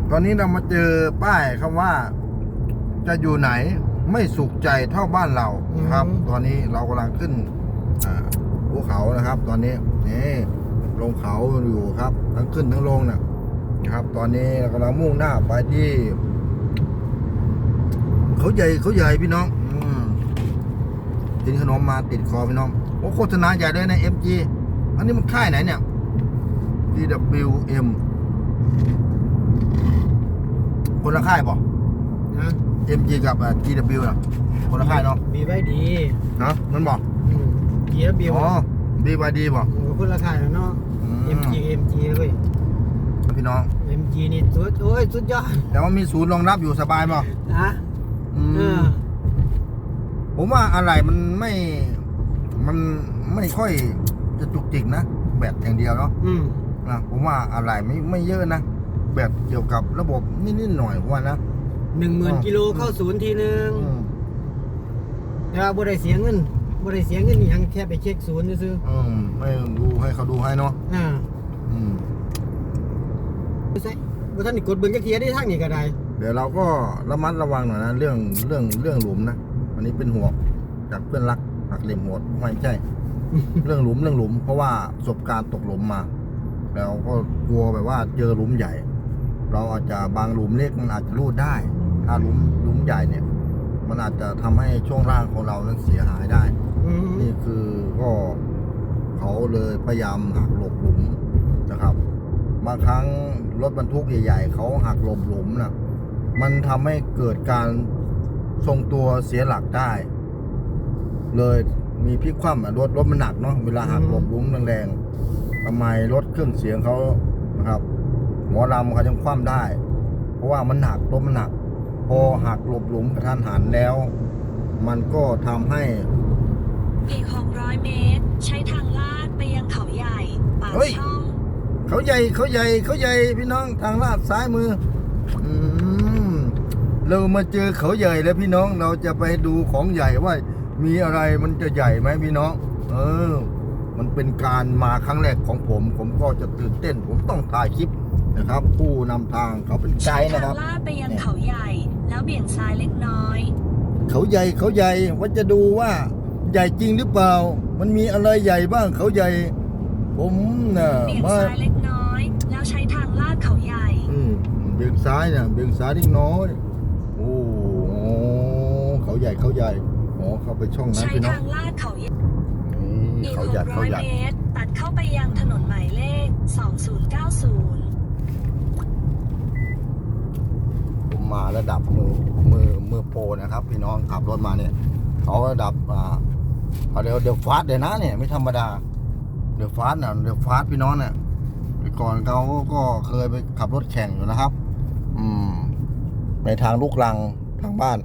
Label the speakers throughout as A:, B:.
A: ตอนนี้เรามาเจอป้ายคำว่าจะอยู่ไหนไม่สุขใจเท่าบ้านเราครับ ตอนนี้เรากำลังขึ้นภูเขานะครับ ตอนนี้นี่ลงเขาอยู่ครับทั้งขึ้นทั้งลงนะครับ ตอนนี้เรากำลังมุ่งหน้าไปที่เขาใหญ่พี่น้องกินขนมมาติดคอพี่น้องโอ้โฆษณาใหญ่เลยนะ MG อันนี้มันค่ายไหนเนี่ย DWM คนละค่ายป่ะ
B: นะ
A: MG กับ GW นะคนละค่ายเนาะ
B: มีไว้ดี
A: นะมันบอก
B: GW
A: อ๋อ BYD บอก
B: คนละค่ายแล้วเนาะ MG เลย
A: พี่น้อง
B: MG นี่สุดยอด
A: แต่ว่ามีศูนย์รองรับอยู่สบายป่ะ
B: นะ
A: ผมว่าอะไรมันไม่ค่อยจะจุกจิกนะแบตอย่างเดียวเนาะนะผมว่าอะไรไม่เยอะนะแบบเกี่ยวกับระบบนิดหน่อยผมว่านะ
B: 10,000 กิโลเข้าศูนย์ทีนึงแต่ว่าบ่ได้เสียเงินนี่ยังแค่ไปเช็คศูนย์ซื้อ
A: ไม่ดูให้เขาดูให้เนาะ
B: ไม่ใช่บ่ทันได้กดเบิ่งจักเทียได้ทางนี้ก็ได้
A: เดี๋ยวเราก็ระมัดระวังหน่อยนะเรื่องหลุมนะวันนี้เป็นห่วงจากเพื่อนรักหักเหลี่ยมโหดไม่ใช่ เรื่องหลุมเพราะว่าประสบการณ์ตกหลุมมาแล้วก็กลัวแบบว่าเจอหลุมใหญ่ เราอาจจะบางหลุมเล็กมันอาจจะรูดได้ ถ้าหลุมใหญ่เนี่ยมันอาจจะทำให้ช่วงล่างของเรานั้นเสียหายได้นี่คือก็เขาเลยพยายามหักหลบหลุมนะครับบางครั้งรถบรรทุกใหญ่ๆเขาหักหลบหลุมนะมันทำให้เกิดการทรงตัวเสียหลักได้เลยมีพลิกคว่ำรถมันหนักเนาะเวลาหักหลบหลุมแรงๆทำไมรถเครื่องเสียงเขานะครับหมอลำเขาจะคว่ำได้ เพราะว่ามันหนักรถมันหนักพอหักหลบหลุมกระทันหันแล้วมันก็ทำให้
C: อีก600 เมตรใช้ทางลาดไปยังเขาใหญ่ปากช่อง
A: เขาใหญ่พี่น้องทางลาดซ้ายมือเรามาเจอเขาใหญ่แล้วพี่น้องเราจะไปดูของใหญ่ว่ามีอะไรมันจะใหญ่ไหมพี่น้องมันเป็นการมาครั้งแรกของผมก็จะตื่นเต้นผมต้องถ่ายคลิปนะครับผู้นำทางเขาเป็นไกด์นะครับ
C: ลาดไปยังเขาใหญ่แล้วเบี่ยงซ้ายเล็กน้อย
A: เขาใหญ่ว่าจะดูว่าใหญ่จริงหรือเปล่ามันมีอะไรใหญ่บ้างเขาใหญ่ผม
C: น่ะเบี่ยงซ้ายเล็กน้อยแล้วใช้ทางลาดเขาใหญ่
A: เบี่ยงซ้ายเล็กน้อยโอ้เขาใหญ่อ๋อเข้าไปช่องนั้นพี่น้อง
C: ใช้ทางลาดเขาใหญ่อีก
A: 600
C: เมตรตัดเข้าไปยังถนนหมายเลข2090
A: ผมมาระดับมือโปรนะครับพี่น้องขับรถมาเนี่ยเขาระดับเขาเดี๋ยวฟาสเลยนะเนี่ยไม่ธรรมดาเดี๋ยวฟาสพี่น้องเนี่ยก่อนเขาก็เคยไปขับรถแข่งอยู่นะครับในทางลูกรังทางบ้าน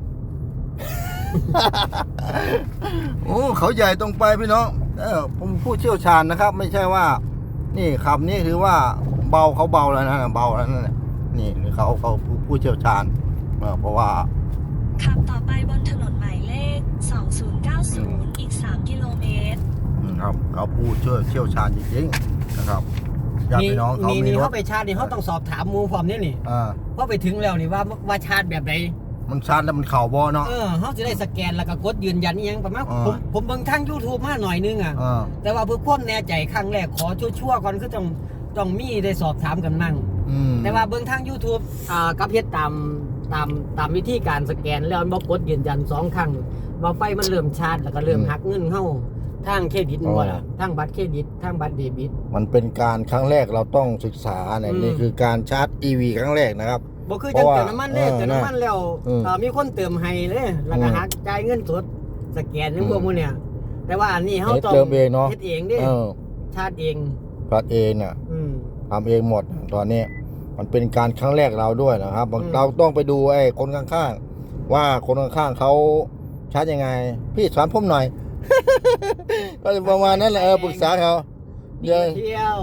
A: โอ้เขาใหญ่ตรงไปพี่น้องผมผู้เชี่ยวชาญนะครับไม่ใช่ว่านี่ขับนี่ถือว่าเบาเขาเบาแล้วนะเบาแล้วนั่นแหละนี่เขาผู้เชี่ยวชาญเพราะว่า
C: ขับต่อไปบนถนนหมายเลข2090อีก3 กิโลเมตร
A: ครับเขาผู้เชี่ยวชาญจริงๆนะครับญาติพี่น้องเขามี
B: เขาไปชาร์จนี่เขาต้องสอบถามมูพร้อมนี่เพราะไปถึงแล้วนี่ว่าชาร์จแบบไหน
A: มันชาร์จแล้วมันเข่าบอเนาะ
B: เขาจะได้สแกนแล้วก็กดยืนยันยังประมาณผมเบิ่งทาง YouTube มาหน่อยนึงแต่ว่าเพื่อความแน่ใจครั้งแรกขอชั่วก่อนคือต้องมีได้สอบถามกันมั่งแต่ว่าเบิ่งทาง YouTube กับเฮ็ดตามวิธีการสแกนแล้วบ่กดยืนยัน2ครั้งว่าไฟมันเริ่มชาร์จแล้วก็เริ่มหักเงินเฮาทางเครดิตบ่ล่ะทางบัตรเครดิตทางบัตรเดบิต
A: มันเป็นการครั้งแรกเราต้องศึกษานี่คือการชาร์จ EV ครั้งแรกนะครับ
B: บ่คือจังเติมน้ำมันเติมน้ำมันแล้วมีคนเติมให้เลยแล้วก็หักจ่ายเงินสดสแกนทั้งพวกมื้อเนี่ยแต่ว่าอันนี้เฮาต้อง
A: เองเนาะ
B: เฮ็ดเองดิชาร์จเอง
A: น่ะทำเองหมดตอนนี้มันเป็นการครั้งแรกเราด้วยนะครับเราต้องไปดูไอ้คนข้างๆว่าคนข้างๆเขาชาร์จยังไงพี่สอนผมหน่อย ก็ประมาณนั้นแหละปรึกษาเขา
B: เที่ยว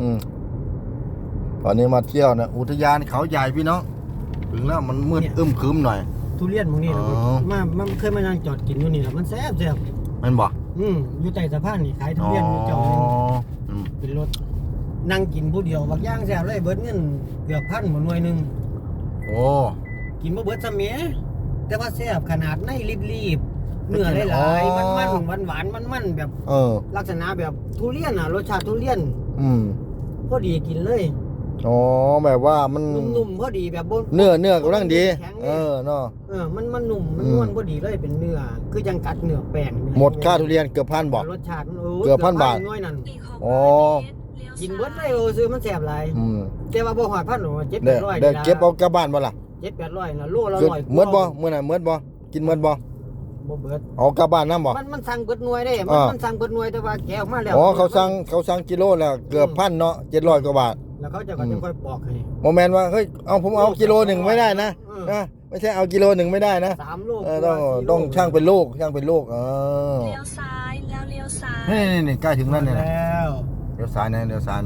A: ตอนนี้มาเที่ยวนะอุทยานเขาใหญ่พี่น้องถึงแล้วมันมืดครึ้มหน่อย
B: ทุเรียนพวกนี้มันเคยมานั่งจอดกินอยู่นี่แหละมันแซ่บ
A: มันบอก
B: อยู่ใต้สะพานนี่ขายทุเรียนอยู่จอดเป็นรถนั่งกินผู้เดียวบักย่างแซ่บเลยเบิดเงินเกือบ1,000หมดหน่วยนึง
A: โอ้
B: กินบ่เบิดซะแหมแต่ว่าแซ่บขนาดในรีบๆเนื้อหลายๆมันหวานมันแบบ ลักษณะแบบทุเรียนอ่ะรสชาติทุเรียนพอดีกินเลย
A: อ๋อแบบว่ามัน
B: นุ่มๆพอดีแบบ
A: เนื้อกำลังดีเนาะ
B: มันนุ่มมันนวลพอดีเลยเป็นเนื้อคือจังกัดเนื้อแป้ง
A: หมดค่าทุเรียนเกือบ1,000 บาท
B: รสชาติมัน
A: เกือบ1,000 บาท
B: น้อยนั่น
A: อ๋อ
B: กินเบิดเลยซื้อมันแซ่บหลายแต่ว่าบ่ฮอด1,000หรอก700-800
A: ได้เก็บเอากลับบ้านบ่ล่ะ
B: 700-800น่ะโลละ100
A: หมดบ่มื้อนั้นหมดบ่กินหมดบ่
B: บ่เบิด
A: เอากลับบ้านนำบ่
B: มันสั่งเบิดหน่วยได้มันสั่งเบิดหน่วยแต่ว่าแกะออกมาแล้ว
A: เขาสั่งกิโลแล้วเกือบ1,000เนาะ700 กว่าบาท
B: แล้วเขาจะก็จะค่อยปอกให้
A: บ่แม่นว่าเฮ้ยเอาผมเอากิโลนึงไม่ได้นะไม่ใช่เอากิโลนึงไม่ได้นะ
B: 3 โล
A: ต้องช่างเป็นลูก
C: เลี้ยวซ้ายแล้วเลี้ยวซ้าย
A: นี่ใกล้ถึงแล้วเนี่ย
B: แล้ว
A: เลี้ยวซ้ายนะเลี้ยวซ้าย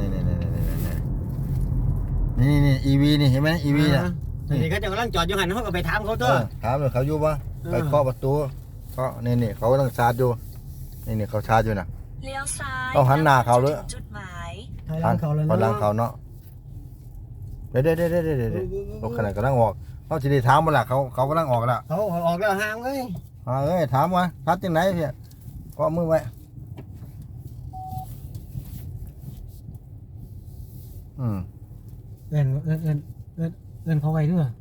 A: นี่ EV นี่เห็นไหม EV น่ะ
B: นี่เขาจะกำลังจอดอยู่หันเขาก็ไปถามเขาตัว
A: ถามเลยเขาอยู่ป่ะไปเคาะประตูก็นี่เขากำลังชาร์จอยู่นี่เขาชาร์จอยู่น่ะ
C: เลี้ยวซ้าย
A: ต้องหันหน้าเขาเลย
C: จุดหมาย
B: หลังเขาเลย
A: หลังเขาเนาะเดี๋ยวรถขนาดกำลังออกเขาจะได้ถามมาละเขากำลังออกแล้ว
B: เขาออกแล้วห่างเลย
A: ถามว่าทัดที่ไหนพี่ก็มือไว้
B: เอินเขาไว้ด้วย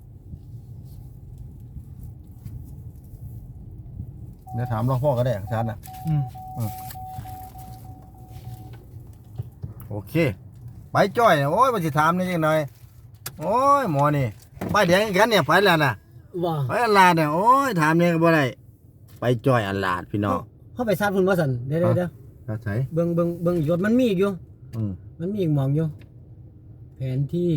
A: เดี๋ยวถามหลวงพ่อก็ได้ชัดนะโอเคไปจ้อยโอ้ยมาสิถามนี่ยังหน่อยโอ้ยหมอนี่ไปเดี๋ยวกันเนี่ยไปแล้วนะไปอันลาดเนี่ยโอ้ยถามเนี่ยก็บ่ได้ไปจ้อยอันลาดพี่น้อง
B: เขาไปซัดพุ่นบ่สั่นเดี๋ยว
A: ใส่
B: เบิ่งอีกมันมีอีกอยู่มันมีอีกมองอยู่แผนที่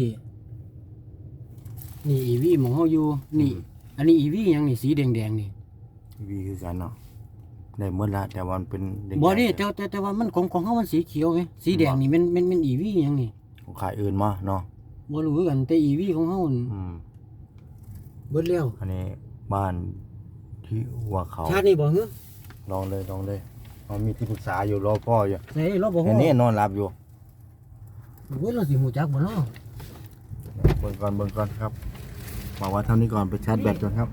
B: นี่อีวีมองเขาอยู่นี่อันนี้อีวียังนี่สีแดงนี่
A: อีวีคือกันเนาะได้หมดละแต่ว่ามันเป็น
B: บ่นี่แต่ว่ามันของเขามันสีเขียวไงสีแดงนี่มันอีวียังนี่
A: ของขายอื่นมาเนาะ
B: บ่รู้กันแต่อีวีของเขาเบิดแล้ว
A: อันนี้บ้านที่หัวเขา
B: ชาตินี่บ่ฮึ
A: ลองเลยมีที่ปรึกษาอยู่รอพ่ออยู่
B: ไหนรอบ่
A: ฮู้นี่นอนหลับอยู่
B: โอ้ยเราสิฮู้จักบ่เนาะ
A: เบิ่งก่อนครับบอกว่าเท่านี้ก่อนไปชาร์จแบตก่อนครับ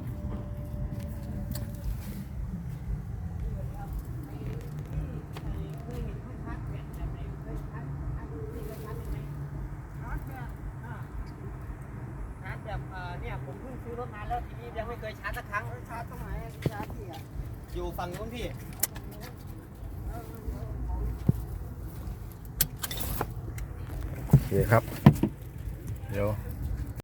B: เนี่ยผมเพิ่งซื้อรถมาแล้วทีนี้ยังไม่เคยชาร์จสักครั้งชาร์จตรงไหนชาร์จที่อยู่ฝั่งนู้นพี่
A: โอเคครับเดี๋ยว